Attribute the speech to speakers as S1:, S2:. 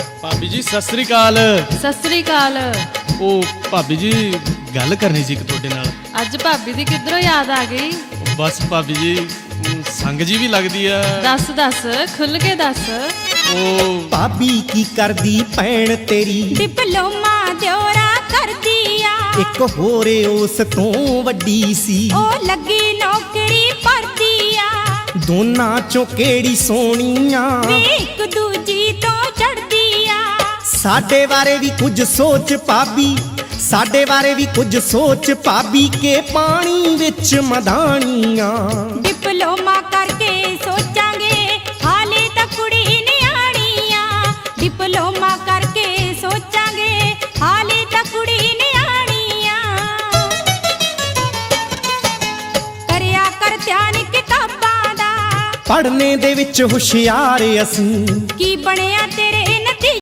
S1: भाभी जी सत श्री अकाल।
S2: सत श्री अकाल।
S1: ओ भाभी जी गल करनी सी तुहाडे नाल।
S2: अज भाभी दी किधरों याद आ गई?
S1: बस भाभी जी संग जी भी लगदी है।
S2: दस दस खुल के दस।
S1: ओ
S3: भाभी की करदी भैन तेरी
S4: डिप्लोमा दियोरा कर दिया।
S3: एक होरे उस तो वड्डी सी
S4: ओ लगी नौकरी पर दिया।
S3: दोनां चों केड़ी सोहणियां
S4: वे एक दूजी तो चढ़ दिया।
S3: साडे बारे भी कुछ सोच भाभी, साडे बारे भी कुछ सोच भाभी के पानी विच मधाणियां।
S4: डिप्लोमा करके सोचांगे हाले तक कुड़ी नियाणियां। डिप्लोमा करके सोचांगे हाले तक कुड़ी नियाणियां। करया कर ध्यान किताबां दा
S3: पढ़ने दे विच हुशियार असीं
S4: की बणिया तेरे